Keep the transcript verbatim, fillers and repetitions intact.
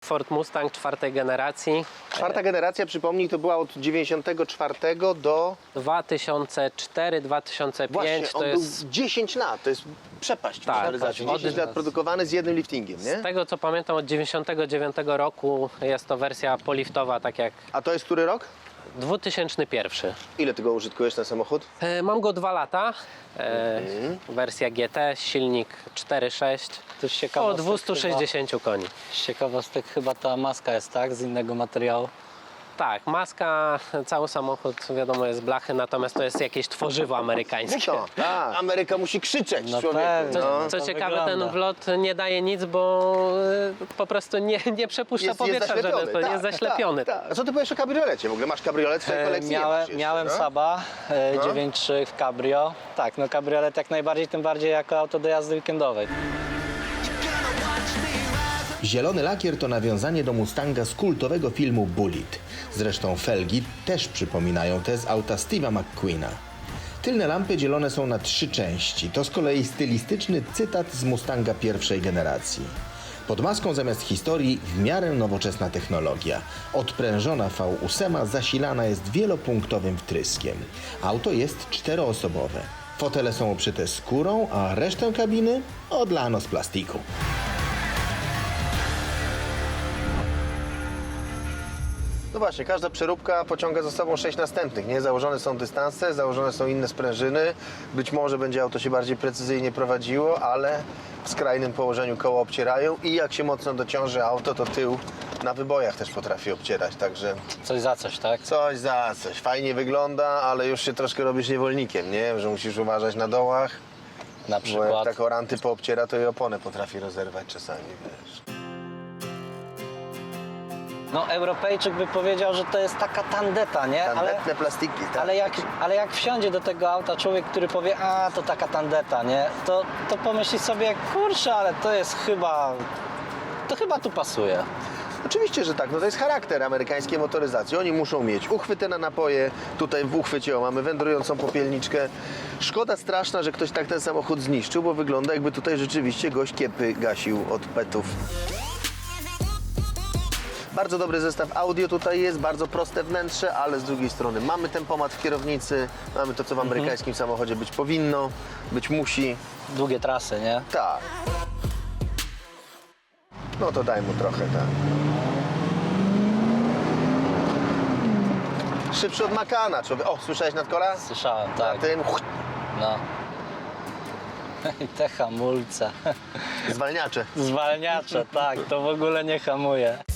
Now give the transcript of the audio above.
Ford Mustang czwartej generacji. Czwarta generacja, przypomnij, to była od dziewięćdziesiątego czwartego do... dwa tysiące cztery dwa tysiące pięć. Właśnie, To on jest był dziesięć lat, to jest przepaść w Tak, motoryzacji. tak. dziesięć lat produkowany z jednym liftingiem, nie? z tego co pamiętam od dziewięćdziesiątego dziewiątego roku jest to wersja poliftowa, tak jak A to jest który rok? dwa tysiące pierwszy. Ile ty go użytkujesz, ten samochód? E, mam go dwa lata. E, Mhm. Wersja G T, silnik cztery sześć. To jest O ciekawostek dwieście sześćdziesiąt koni. Chyba, z ciekawostek chyba ta maska jest, tak? Z innego materiału. Tak, maska, cały samochód wiadomo jest blachy, natomiast to jest jakieś tworzywo amerykańskie. Co? Tak. Ameryka musi krzyczeć, No człowieku. pewnie. No. Co to ciekawe, wygląda. ten wlot nie daje nic, bo e, po prostu nie, nie przepuszcza Jest, jest powietrza, żeby zaślepiony. to tak, jest zaślepiony. Tak, tak. A co ty powiesz o kabriolecie? W ogóle masz kabriolet w swojej E, kolekcji? Nie miałem masz jeszcze, miałem no? Saba e, No. dziewięć trzy w cabrio. Tak, no kabriolet jak najbardziej, tym bardziej jako auto do jazdy weekendowej. Zielony lakier to nawiązanie do Mustanga z kultowego filmu Bullitt. Zresztą felgi też przypominają te z auta Steve'a McQueena. Tylne lampy dzielone są na trzy części. To z kolei stylistyczny cytat z Mustanga pierwszej generacji. Pod maską zamiast historii w miarę nowoczesna technologia. Odprężona V osiem zasilana jest wielopunktowym wtryskiem. Auto jest czteroosobowe. Fotele są obszyte skórą, a resztę kabiny odlano z plastiku. No właśnie, każda przeróbka pociąga za sobą sześć następnych, nie? Założone są dystanse, założone są inne sprężyny. Być może będzie auto się bardziej precyzyjnie prowadziło, ale w skrajnym położeniu koło obcierają i jak się mocno dociąży auto, to tył na wybojach też potrafi obcierać, także Coś za coś, tak? coś za coś. Fajnie wygląda, ale już się troszkę robisz niewolnikiem, nie? Że musisz uważać na dołach, Na bo jak przykład. tak oranty poobciera, to i oponę potrafi rozerwać czasami, wiesz. No Europejczyk by powiedział, że to jest taka tandeta, nie? Ale, Tandetne plastiki, tak. ale, jak, ale jak wsiądzie do tego auta człowiek, który powie, a to taka tandeta, nie? To, to pomyśli sobie, kurczę, ale to jest chyba, to chyba tu pasuje. Oczywiście, że tak. No to jest charakter amerykańskiej motoryzacji. Oni muszą mieć uchwyty na napoje. Tutaj w uchwycie o, mamy wędrującą popielniczkę. Szkoda straszna, że ktoś tak ten samochód zniszczył, bo wygląda jakby tutaj rzeczywiście gość kiepy gasił od petów. Bardzo dobry zestaw audio tutaj jest, bardzo proste wnętrze, ale z drugiej strony mamy tempomat w kierownicy, mamy to, co w amerykańskim samochodzie być powinno, być musi. Długie trasy, nie? Tak. No to daj mu trochę, tak. Szybszy od Makana, człowiek. O, słyszałeś nadkola? Słyszałem, Na tak. tym No. I te hamulce. zwalniacze. Zwalniacze, tak, to w ogóle nie hamuje.